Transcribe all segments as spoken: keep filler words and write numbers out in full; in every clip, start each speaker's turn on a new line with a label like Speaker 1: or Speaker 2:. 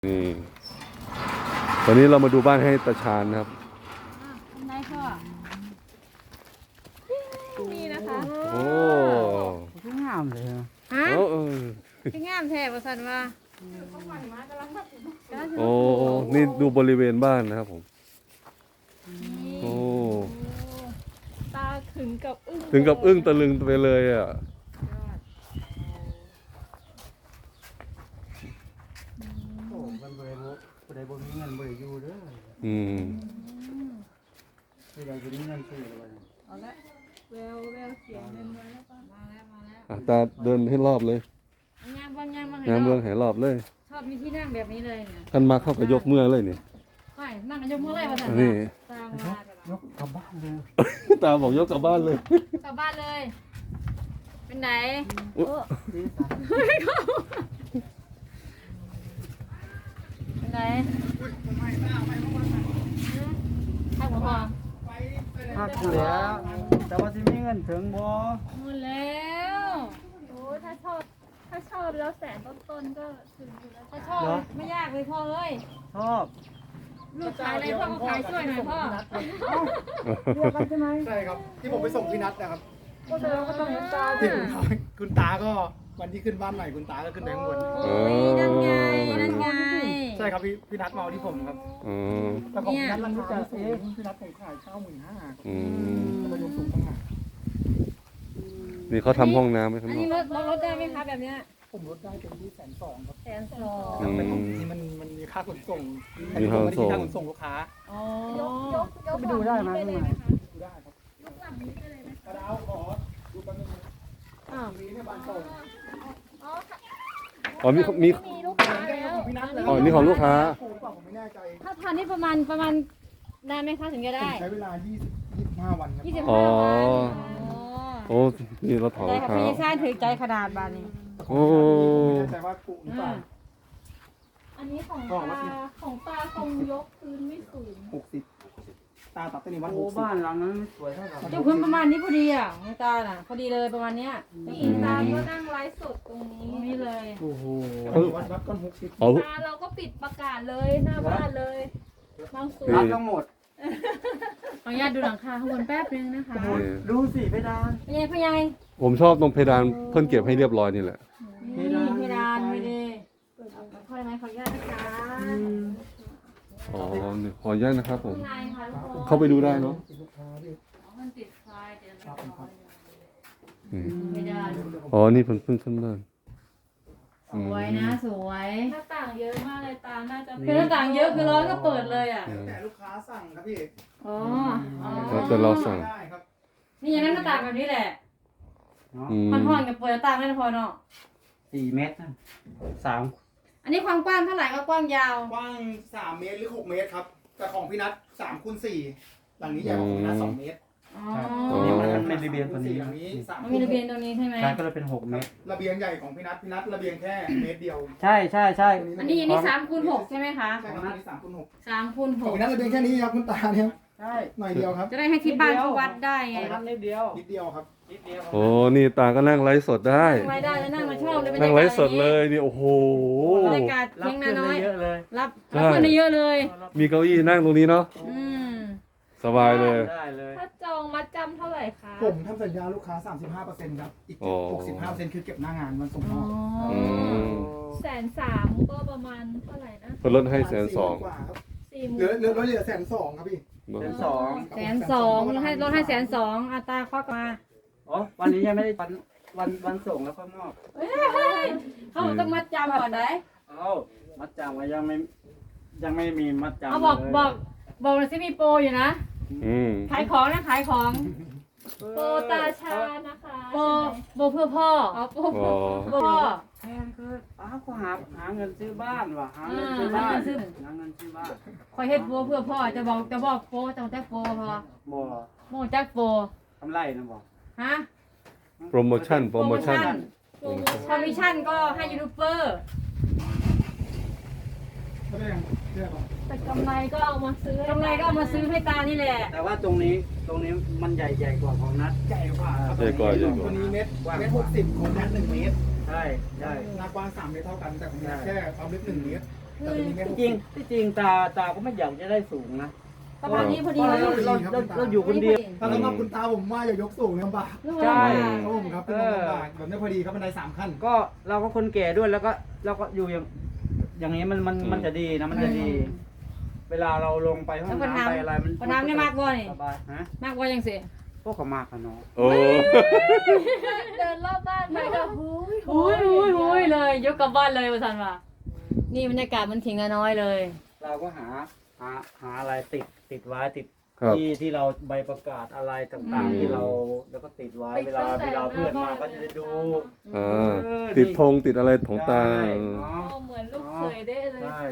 Speaker 1: นี่ตอนนี้เรามาดูบ้านให้ตาชาญนะครับ
Speaker 2: ทำไงพ่อนี่นะคะ
Speaker 1: โอ้
Speaker 3: ที่งามเลยฮะ
Speaker 2: ฮะ
Speaker 1: โอ้เออ
Speaker 2: ที่งามแท้ประสันว่า
Speaker 1: โอ้นี่ดูบริเวณบ้านนะครับผมโอ้
Speaker 2: ตาถึงกับอึ้ง
Speaker 1: ถึงกับอึ้งตะลึงไปเลยอ่ะ
Speaker 3: โอ้มันบริโภคผู้ใดบ่มีเงินบ่ได้อยู่เด้อ
Speaker 1: อืม
Speaker 3: ผู้ใดบ่มีเงินซื้อเลย
Speaker 2: เอาละแววแววเสียงเดินมาแล้วป่ะมาแล้วมาแล้ว
Speaker 1: อ่ะตาเดินให้รอบเลย
Speaker 2: งามบ้างงามบ้าง
Speaker 1: งานเมืองให้รอบเลย
Speaker 2: ชอบมีที่นั่งแบบนี้เลยเนี่ย
Speaker 1: ท่านมาเข้ากับยกเมื่อเลยนี่
Speaker 2: ไปนั่งกันยกมือเลยประสัน
Speaker 1: นี่
Speaker 2: ตามมาแต่
Speaker 3: ยกกลับบ้านเลย
Speaker 1: ตาบอกยกกลับบ้านเลย
Speaker 2: กลับบ้านเลย เป็นไหน
Speaker 1: อุ๊ย
Speaker 2: เออ
Speaker 3: นี่สาม
Speaker 2: เป็นไหนข้าวหัวหอม
Speaker 3: พักแล้ว แต่ว่าสิมีเงินถึงบ่
Speaker 2: หมดแล้ว
Speaker 4: โอ้ยถ้าชอบถ้าชอบแล้วแสนต้นๆก็ถึงอยู่แล้ว
Speaker 2: ถ้าชอบไม่ยากเลยพ่อเอ้ย
Speaker 3: ชอบ
Speaker 2: ลูกขายอะไรพ่อก็ขายช่วยหน่อยพ่อ
Speaker 3: เดียวกันใช่ไหม
Speaker 5: ใช่ครับที่ผมไปส่งพี่นัทนะครับ
Speaker 3: ก็แสดงว่าต้องเห็นตา
Speaker 5: ที่คุณคุณตาก็วันที่ขึ้นบ้านใหม่คุณตาก็ขึ้นไปข้างบน
Speaker 2: โอ้ยนั่นไงนั่นไง
Speaker 5: ใช่ครับพี่พี่นัทมาเอาที่ผมครับ
Speaker 1: อืม
Speaker 5: แต่ของพี่นัทราคาสูงพี่นัทผมขายเก้าหมื่นห้าครับ
Speaker 1: อืม
Speaker 5: ประโยชน์สูงต่างหาก
Speaker 1: นี่เขาทำห้องน้ำไว้ข้าง
Speaker 2: อัน
Speaker 1: นอ
Speaker 2: นี้
Speaker 1: ก
Speaker 2: ลดลดลดได้ไหมคะแบบเนี้ย
Speaker 5: ผมลดได้เป็นที่แสนสองครับ
Speaker 2: แสนสอง
Speaker 1: อืม
Speaker 5: แต่ของที่มันมันมีค่าขนส่ง
Speaker 1: มีค่าขนส่ง
Speaker 5: ค่าขนส่งลูกค้า
Speaker 2: อ๋อย
Speaker 4: กยกยก
Speaker 3: ไปดูได้ไหม
Speaker 4: ไปเลยไหมคะ
Speaker 5: ดูได้ครับ
Speaker 4: ยกหลังนี้ไปเลยไหม
Speaker 5: กระดาวขอดูแป๊บนึงนะ
Speaker 2: อ้าว
Speaker 5: มีเนี่ยบานส่ง
Speaker 4: อ๋อค่ะ
Speaker 1: อ๋อมีมี
Speaker 4: มีลูกค้าแล้ว
Speaker 5: ของพี่นัทเลย
Speaker 1: อ๋อนี่ของลูกค้า
Speaker 5: ถูกกว่าผมไม่แน่ใจ
Speaker 2: ถ้าทานนี่ประมาณประมาณนานไหมคะถึงจะได้
Speaker 5: ใช้เวลายี่สิบ ยี่สิบห้าวันครับ
Speaker 2: ยี่สิบ
Speaker 1: อ๋
Speaker 2: ห้า
Speaker 1: อ
Speaker 2: วัน
Speaker 1: โอ้นี่เราถอด
Speaker 2: ได้
Speaker 1: รอง
Speaker 2: ค่ะ
Speaker 1: เท้า
Speaker 2: พี่ชายถือใจขนาดบานนี้
Speaker 1: โอ้
Speaker 5: ผมไม่แน่ใจว่ากุหรือเปล่า
Speaker 4: อันนี้ของ
Speaker 5: บอกว่า
Speaker 4: ตาของตาคงยกพื้นไม่สูง
Speaker 5: หกสิบตาตัดต้นนี้วัดห
Speaker 3: โอ้
Speaker 5: กสิบ
Speaker 3: บ้านหลังนั้นไม่สวยเท่าไหร่
Speaker 2: เจ้าพื้นประมาณนี้พอดีอ่ะของตาน่ะพอดีเลยประมาณเนี้ย
Speaker 4: นี่ตาก็นั่งไลฟ์สดตรงนี้
Speaker 2: ตรงนี้เลย
Speaker 3: โอ้โห
Speaker 5: วัดวัดก้อนหกสิบ
Speaker 1: เอา
Speaker 4: ตาเราก็ปิดประกาศเลยหน้าบ้านเลยบางส่ว
Speaker 1: นี่
Speaker 4: น
Speaker 3: รับทั้งหมด
Speaker 2: ขออนุญาตดูหลังคาข้างบนแป๊บนึงนะคะ
Speaker 3: โอ้โหดูสิเพดาน
Speaker 2: เป็นไงพ่อใหญ่
Speaker 1: ผมชอบตรงเพดานเพิ่นเก็บให้เรียบร้อยนี่แหละ
Speaker 2: นี่เพดานไม่ได้พ่อยังไงขออนุญาตนะคะ
Speaker 1: อ๋อนี่ขออนุญาตนะครับผม
Speaker 2: ข้างในค่ะทุกคน
Speaker 1: เข้าไปดูได้เนาะ
Speaker 2: มันติดไฟเดี๋ยวเรา
Speaker 1: อืม
Speaker 2: เพดาน
Speaker 1: อ๋อ นี่เพิ่งเพิ่งขึ้นบ้าน
Speaker 2: สวยนะสวย
Speaker 4: หน้าต่างเยอะมากเลยตาน่าจะ
Speaker 2: คือหน้าต่างเยอะคือร้อนก็เปิดเลยอ่ะ
Speaker 5: แต่ลูกค้าสั่งครับพี่
Speaker 2: อ๋ออ๋อ
Speaker 1: แล้วแต่เราสั่ง
Speaker 5: ได้ครับ
Speaker 2: นี่อย่างนั้นหน้าต่างแบบนี้แหละ
Speaker 3: เนาะ
Speaker 1: อืม
Speaker 2: มันห่อนกับเปิดหน้าต่างได้พอเนาะ
Speaker 3: สี่เมตรนะสาม
Speaker 2: อันนี้ความกว้างเท่าไหร่ก็กว้างยาว
Speaker 5: กว้างสามเมตรหรือหกเมตรครับ แต่ของพี่นัทสามคูณสี่หลังนี้ใหญ่กว่าของพี่นัทสองเมตร
Speaker 2: อ๋อ
Speaker 3: ตัวนี้มันเป็นระเบียงตัวนี้
Speaker 5: หลังนี้สาม
Speaker 2: มันมีระเบียงตรงนี้ใช่ไหม
Speaker 3: การก็เลยเป็นหกเมตร
Speaker 5: ระเบียงใหญ่ของพี่นัทพี่นัทระเบียงแค่เมตรเดียว
Speaker 3: ใช่ใช่ใช่
Speaker 2: อันนี้อันนี้สามคูณหกใช่ไหมคะ
Speaker 5: ใช่ครับอันนี้สามคูณหก
Speaker 2: สามคูณห
Speaker 5: ของ
Speaker 2: ก
Speaker 5: พี่นัทระเบียงแค่นี้ครับคุณตาเนี่ย
Speaker 3: ใช่
Speaker 5: หน่อยเดียวครับ
Speaker 2: จะได้ให้ที่บ้านเขาวัดได้ไง
Speaker 3: ทำนิดเดียว
Speaker 5: นิดเดียวครับ
Speaker 3: นิดเดียว
Speaker 1: โอ้ นี่ตาก็นั่งไลฟ์สดได้
Speaker 2: นั่งไว้ได้แล้วนั่งมาชอบเลย
Speaker 1: นั่งไลฟ์สดเลยนี่ โอ้โห
Speaker 2: บรรยากาศ
Speaker 3: รับ
Speaker 2: เพียง
Speaker 3: ขึ้
Speaker 2: นาน น้อย
Speaker 3: ได้เยอะเลย
Speaker 2: รับ
Speaker 1: ใช่
Speaker 2: รับคนได้เยอะเลย
Speaker 1: มีเก้าอี้นั่งตรงนี้เนาะ
Speaker 2: อืม
Speaker 1: สบายเลย
Speaker 3: ได้เลย
Speaker 4: ถ้าจองมัดจำเท่าไหร่คะ
Speaker 5: ผมทำสัญญาลูกค้า สามสิบห้าเปอร์เซ็นต์ครับ อีก
Speaker 1: อ๋อ
Speaker 5: หกสิบห้าเปอร์เซ็นต์คือเก็บหน้างานวันส่งม
Speaker 2: อ๋อ
Speaker 5: อบ
Speaker 1: อืม
Speaker 4: แสนสามก็ประมาณเท่าไหร่นะ
Speaker 1: เพิ่นลดให้แสนสอง
Speaker 5: กว่าครับ
Speaker 4: สี่หมื่
Speaker 5: เหลือน เหลือเหลือแสนสองครับพี่
Speaker 3: เป็นสอง
Speaker 2: แสนสองลดให้ลดให้แสนสองอัตราควักมา
Speaker 3: อ๋อวันนี้ยังไม่ได้วันวันวันส่งแล้วก็มอบ
Speaker 2: เขาต้องมัดจำก่อนได้
Speaker 3: เอ้ามัดจำก็ยังไม่ยังไม่มีมัดจำ
Speaker 2: เอาบอก
Speaker 3: เลย
Speaker 2: บอกบอกเลยสิมีโปรอยู่นะ
Speaker 1: อืม
Speaker 2: ขายของนะขายของ
Speaker 4: โปรตาชานะคะ
Speaker 2: โปรโปรเพื่อพ่อ
Speaker 4: อ๋อโปร
Speaker 1: อ๋อ
Speaker 2: โปรพ่อ
Speaker 3: แพงคืออ้าวก็หาหาเงินซื้อบ้านว่ะหาเงินซื้อบ้าน
Speaker 2: อ่าหาเงินซื้อ
Speaker 3: หาเงินซื้อบ้าน
Speaker 2: คอยเฮ็ดโปรเพื่อพ่อจะบอกจะบอกโปรจะแจ็คโปรพอ
Speaker 3: บ่
Speaker 2: โมจักโปร
Speaker 3: ทำไรนะบ่
Speaker 2: ฮะ
Speaker 1: โปรโมชั่น โปรโมชั่น
Speaker 4: โปรโม
Speaker 2: คอมมิชชั่นก็ให้ยูทูบเบอร์
Speaker 5: ไม่ได้ยังเรียกว่า
Speaker 4: แต่กำไรก็เอามาซื้อก
Speaker 2: ำไรก็เอามาซื้อให้ตานี่แหละ
Speaker 3: แต่ว่าตรงนี้ตรงนี้มันใหญ่ใหญ่กว่าของนัด
Speaker 5: ใหญ่กว่าครับ
Speaker 1: ใหญ่กว่าใหญ่ก
Speaker 5: ตัว
Speaker 1: ว่า
Speaker 5: นี้เมตรเมตรหกสิบของนัทหนึ่งเมตร
Speaker 3: ใช่ใช่
Speaker 5: หน้ากว้างสามเมตรเท่ากัน แต่ของนัทแค่ความลึกหนึ่งเมตรแต่ตัวนี้ไม่
Speaker 3: ที่จริงที่จริงตาตาก็ไม่อยากจะได้สูงนะ
Speaker 2: ประมาณนี้พอดี
Speaker 3: เรา
Speaker 2: เลย
Speaker 3: เราเราเราอยู่คนเดียว
Speaker 5: ถ้าสำหรับคุณตาผมว่าอย่ายกสูงลำบาก
Speaker 3: ใช่
Speaker 5: ครับผมครับเป็นลำบากแบบนี้พอดีครับบันไดสามขั้น
Speaker 3: ก็เราก็คนแก่ด้วยแล้วก็เราก็อยู่อย่างอย่างนี้มันมันมันจะดีนะมันจะดี เวลาเราลงไปห้องน้ำไปอะไรมัน
Speaker 2: พอน้ำนี่มากบ่นี่
Speaker 3: สบายฮะ
Speaker 2: มากบ่ยังสิ
Speaker 3: พวกเขามากกันเนาะ
Speaker 1: โอ้
Speaker 4: เดินรอบบ้านไปก็หูย
Speaker 2: หุยหุยหุยเลยยกกลับบ้านเลยว่าซั่นว่านี่บรรยากาศมันถิงน้อยเลย
Speaker 3: เราก็หาหาหาอะไรติดติดไว้ติด
Speaker 1: ครับ
Speaker 3: ที่ที่เราใบประกาศอะไรต่างๆที่เราแล้วก็ติดไว้เวลาเวลาเพื่อนมาก็จะได้ดู
Speaker 1: อ่าติดธงติดอะไรของตา
Speaker 3: ใช่
Speaker 1: เออ
Speaker 3: เนาะ
Speaker 4: โอ้เหมือนลูกเขยได้เลย
Speaker 3: ใช่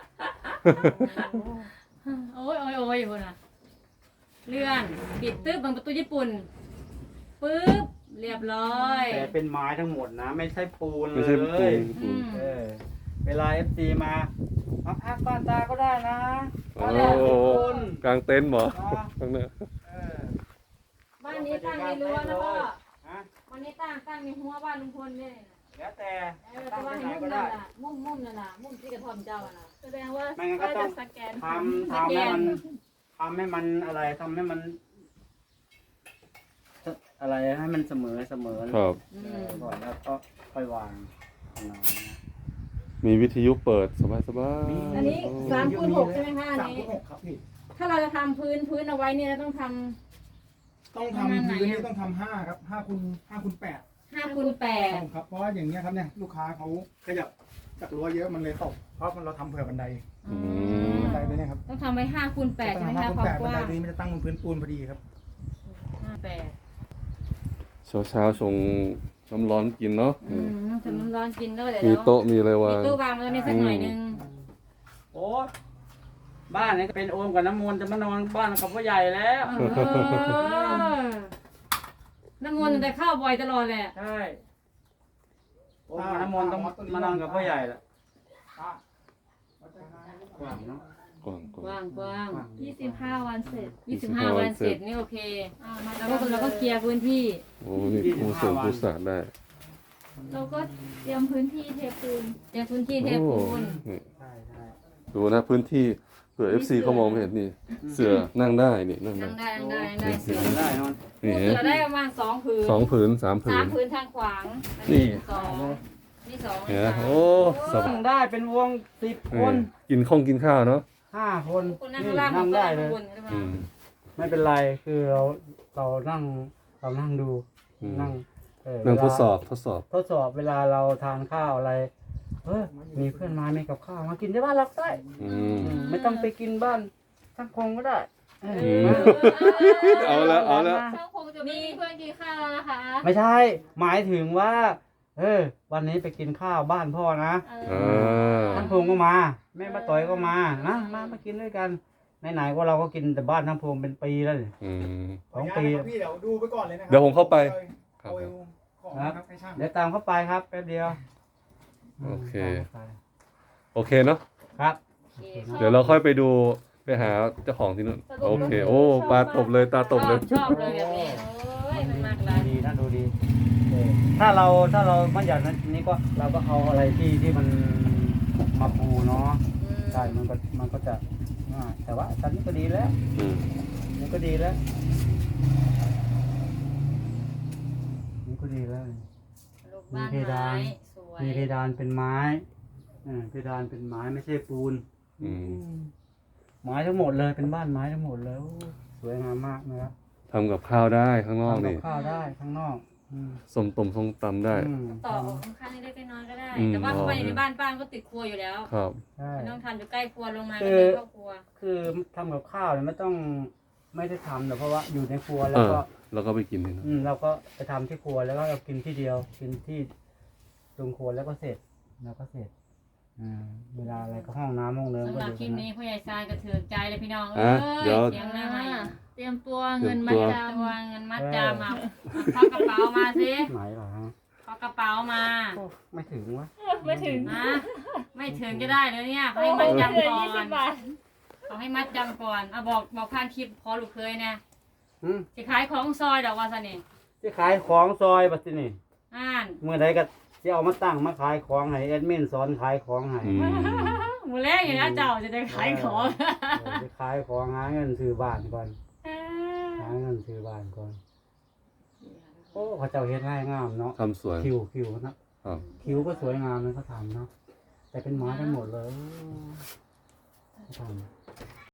Speaker 2: โอ้ยโอ้ยโอ้ยอยู่น่ะเลื่อนปิดตึ๊บบังประตูญี่ปุ่นปึ๊บเรียบร้อย
Speaker 3: แต่เป็นไม้ทั้งหมดนะ ไม่ใช่ปูนเล
Speaker 1: ไม่ใช่ปู
Speaker 3: ย
Speaker 1: นปู
Speaker 2: อื
Speaker 1: น
Speaker 2: ม
Speaker 3: เออเวลาเอฟซีมามาพักบ้านตาก็ได้นะ
Speaker 1: โอ้
Speaker 3: บ้านเราเป็นปูน
Speaker 1: กลางเต็นท์เหรอ
Speaker 3: เนาะ
Speaker 1: ข้างหน้า
Speaker 3: เออ
Speaker 2: บ้านนี้ตั้งในรั้วนะพ่อ
Speaker 3: ฮะ
Speaker 2: วันนี้ตั้งตั้งในหัวบ้านลุงพลเนี่ย
Speaker 3: แล้วแต่
Speaker 2: เออ
Speaker 3: ตั้
Speaker 2: แต่
Speaker 3: ง
Speaker 2: ว่า
Speaker 3: ที่
Speaker 2: ใน
Speaker 3: ไหน
Speaker 2: มุม
Speaker 3: ก็
Speaker 2: นั่น
Speaker 3: ได้
Speaker 2: น่ะมุมมุมนั่นน่ะมุมที่กระท่อมเจ้าอะน่ะ
Speaker 4: แสดงว่า
Speaker 3: ไม่งั้นก็
Speaker 4: ก็
Speaker 3: ต้อ
Speaker 4: จะ
Speaker 3: ง
Speaker 4: สแกน
Speaker 3: ทำทำให้มันทำให้มันอะไรทำให้มัน อะไรให้มันเสมอเสมอ
Speaker 1: ครับ
Speaker 2: อื
Speaker 3: เอ
Speaker 2: ม
Speaker 3: อก่อนแล้วก็ค่อยวางนะ
Speaker 1: มีวิทยุเปิดสบายสบาย
Speaker 2: อันนี้สามคูณหกใช่ไหมคะอัน
Speaker 5: สาม
Speaker 2: นี้
Speaker 5: คูณหกครับพี่
Speaker 2: ถ้าเราจะทำพื้นพื้นเอาไว้เนี่ยเราต้องท
Speaker 5: ต้องทำพื้นนี่ต้องทำห้าครับห้าคูณห้าคูณแปด
Speaker 2: ำห้าคูณแปด
Speaker 5: ครับเพราะว่าอย่างเงี้ยครับเนี่ยลูกค้าเขาขยับจากรั้วเยอะมันเลยตกเพราะมันเราทำเผื่อบันได
Speaker 1: อืม
Speaker 5: บันไดตัวเนี้ยครับ
Speaker 2: ต้องทำไว้ห้าคูณแปดใช่ไหม
Speaker 5: ห้า
Speaker 2: คะ
Speaker 5: คูณ
Speaker 2: ความ
Speaker 5: แปด
Speaker 2: ก
Speaker 5: บัน
Speaker 2: ว้า
Speaker 5: ได
Speaker 2: ง
Speaker 5: ตัวนี้มันจะตั้งบนพื้นปูนพอดีครับ
Speaker 2: ห้าแปด
Speaker 1: เช้าเช้าๆชงน้ำร้อนกินเนาะ
Speaker 2: อืมทำน้ำร้อนกินแล้วเดี๋ยว
Speaker 1: มี
Speaker 2: เรา
Speaker 1: โต๊ะมีอะไร
Speaker 2: มี
Speaker 1: วาง
Speaker 2: ตู้วางแล้วนี่สักหน่อยนึง
Speaker 3: โอ้บ้านนี้ก็เป็นโอมกับน้ำมนต์จะมานอนบ้านกับพ่อใหญ่แล้ว
Speaker 2: เออน้ำมนต์แต่เข้าบ่อยตลอดแหละ
Speaker 3: ใช่โอมกับน้ำมนต์ต้องมานอนกับพ่อใหญ่แหละกว้างเนาะ
Speaker 1: กว้างก
Speaker 2: ก
Speaker 1: ว้าง
Speaker 2: ว้างกว้าง
Speaker 4: ยี่สิบห้าวันเสร็จ
Speaker 2: ยี่สิบห้าวันเสร็จนี่โอเค
Speaker 4: อ่ามา
Speaker 2: แล้วก็เราก็เคลียร์พื้นที่
Speaker 1: โอ้นี่ปูเสริมปูสาดได้
Speaker 4: เราก็เตรียมพื้นที่เทปูน
Speaker 2: เคลียร์พื้นที่เทปูน
Speaker 1: โอ้นี่
Speaker 3: ใช่ใช่
Speaker 1: ดูนะพื้นที่เผื่อ เอฟ ซี เขามองไม่เห็นนี่ เสือนั่งได้นี่นั่ง
Speaker 2: นั่
Speaker 1: ได้
Speaker 2: งได้นั่งได้นั่งได้เสือ
Speaker 3: ได้นอน
Speaker 1: นี่
Speaker 2: เสือได้ประมาณสองผืน
Speaker 1: สองผืนสามผื
Speaker 2: สาม
Speaker 1: น
Speaker 2: ผืนทางขวาง
Speaker 1: นี่
Speaker 2: สองนี่สอง
Speaker 1: เห็นไหม
Speaker 2: สาม
Speaker 1: โอ้สบาย
Speaker 3: นั่งได้เป็นวงสิบค
Speaker 1: นี่
Speaker 3: น
Speaker 1: กินข้องกินข้าวเนาะ
Speaker 3: ห้าคน
Speaker 2: คนนั่ง
Speaker 3: นี่
Speaker 2: ข้างล่าง
Speaker 3: นั่งได้เลย
Speaker 2: ข้างบนใช่ไหม
Speaker 1: อืม
Speaker 3: ไม่เป็นไรคือเราเรานั่งเรานั่งดู
Speaker 1: อืม
Speaker 3: นั่งเออ
Speaker 1: นั่ง
Speaker 3: เวลา
Speaker 1: ทดสอบทดสอบ
Speaker 3: ทดสอบเวลาเราทานข้าวอะไรเออมีเพื่อนมาไม่กับข้าวมากินที่บ้านเราก็ได้
Speaker 1: อืม
Speaker 3: อืมไม่ต้องไปกินบ้านช่างคงก็ได้เออ
Speaker 1: ม เอาแล้วเอาแล้ว
Speaker 4: ช่างคงจะไม่มีเพื่อนกินข้าวแล้วนะคะ
Speaker 3: ไม่ใช่ หมายถึงว่า เออ วันนี้ไปกินข้าวบ้านพ่อนะ
Speaker 4: เอ
Speaker 1: อ่
Speaker 4: อา
Speaker 3: ช่างพงก็มาแม่มาต่อยก็มานะมามากินด้วยกันไหนๆก็เราก็กินแต่บ้านช่างพงเป็นปีแล้วนี่
Speaker 1: อืม
Speaker 3: สองปี
Speaker 5: พี่เดี๋ยวดูไปก่อนเลยนะครั
Speaker 1: เดี๋ยวผมเข้าไป
Speaker 5: เอาของนะครับให้ช่าง
Speaker 3: เดี๋ยวตามเข้าไปครับแป๊บเดียว
Speaker 1: โอเค
Speaker 3: ตามเข้าไป
Speaker 1: โอเคเนาะ
Speaker 3: ครับ
Speaker 2: โอเค
Speaker 1: เดี๋ยวเราค่อยไปดูไปหาเจ้าของที่นู่น โอเค โอ้ปลาตบเลยตาตบเลย
Speaker 2: ชอบเลยแบบนี้โอ้ยมันมากเลย
Speaker 3: ดีนะดูดีเออถ้าเราถ้าเราไม่อยากนั้นนี้ก็เราก็เอาอะไรที่ที่มันมาปูเนาะ
Speaker 2: อืม
Speaker 3: ใช่มันก็มันก็จะง่ายแต่ว่าตอนนี้ก็ดีแล้ว
Speaker 1: อืม
Speaker 3: นี่ก็ดีแล้วนี่ก็ดีแล้ว
Speaker 2: ลูกบ้านไม้สวย
Speaker 3: มีเพดานเป็นไม้อ่าเพดานเป็นไม้ไม่ใช่ปูน
Speaker 1: อืม
Speaker 3: ไม้ทั้งหมดเลยเป็นบ้านไม้ทั้งหมดเลยโอ้สวยงามมากนะครับ
Speaker 1: ทำกับข้าวได้ข้างนอก
Speaker 3: ทำกับ
Speaker 1: นี่
Speaker 3: ข้าวได้ข้างนอกอืม
Speaker 1: ส้มตำส้มตำได้
Speaker 3: อืม
Speaker 2: ต่อของข้างๆนี่ได้น้อยก็ได้
Speaker 1: อืม
Speaker 2: แต่ว่าเข้าไป
Speaker 1: อ๋อ
Speaker 2: ในบ้านป้านก็ติดครัวอยู่แล้ว
Speaker 1: ครับ
Speaker 3: ใช่
Speaker 2: ไม่ต้องทำอยู่ใกล้ครัวลงมา
Speaker 3: คื
Speaker 2: ก็
Speaker 3: อ
Speaker 2: เป็นครอบครัว
Speaker 3: คือทำกับข้าวเนี่ยไม่ต้องไม่ได้ทำแต่เพราะว่าอยู่ในครัวแล้
Speaker 1: เอ
Speaker 3: ว
Speaker 1: อ
Speaker 3: ก็
Speaker 1: แล้วก็ไปกินที่นั่น
Speaker 3: อืมเราก็ไปทำที่ครัวแล้วก็เรากินที่เดียวกินที่ตรงครัวแล้วก็เสร็จแล้วก็เสร็จอ่าเวลาอะไรก็ห้องน้ำห้องเดิม
Speaker 2: สำ
Speaker 3: ก็
Speaker 2: หรับ
Speaker 3: อยู่
Speaker 2: คลิ
Speaker 3: ตร
Speaker 2: ป
Speaker 3: ง
Speaker 2: นี้
Speaker 3: นั้น
Speaker 2: พ่อใหญ่ทรายกระเถือกใจเลยพี่น้อง
Speaker 1: อ่ะ
Speaker 2: เอ้ย
Speaker 1: เดี๋ยว
Speaker 2: เสียงหน้าใหม่
Speaker 4: เตรียมตัวเงินมัดจ
Speaker 2: ตัวเงินมัดจำเอาควักกระเป๋ามาสิ
Speaker 3: ไหนเหรอฮะ
Speaker 2: ควักกระเป๋ามา
Speaker 3: โอ้ไม่ถึงวะ
Speaker 4: ำไม่ถึง
Speaker 2: นะไม่ถึงก็ได้เลยเนี่ยเขาให้
Speaker 4: โอ้
Speaker 2: มัด
Speaker 4: เหลื
Speaker 2: จำ
Speaker 4: อ
Speaker 2: ก่อ
Speaker 4: ยี่สิ
Speaker 2: น
Speaker 4: บบาท
Speaker 2: เขาให้มัดจำก่อนเอาบอกบอกผ่านคลิปพอลูกเคยนะ
Speaker 3: อืม
Speaker 2: สิขายของซอยดอกว่าซะนี่
Speaker 3: ที่ขายของซอยบัดนี้
Speaker 2: อ่าน
Speaker 3: เมื่อใดก็จะเอามาตั้งมาขายของให้แอดมินสอนขายของให้
Speaker 1: อืม
Speaker 2: มือแรกอย่างนี้เจ้าจะได้ขายของ
Speaker 3: เออไปขายของหาเงินซื้อบ้านก่อนหาเงินซื้อบ้านก่อนโอ้เขาเจ้าเฮ็ดง่ายงามเนาะ
Speaker 1: ทำสวย
Speaker 3: คิวคิวนะครับ คิวก็สวยงามเลยเขาทำเนาะแต่เป็นไม้กันหมดเลยเขาทำ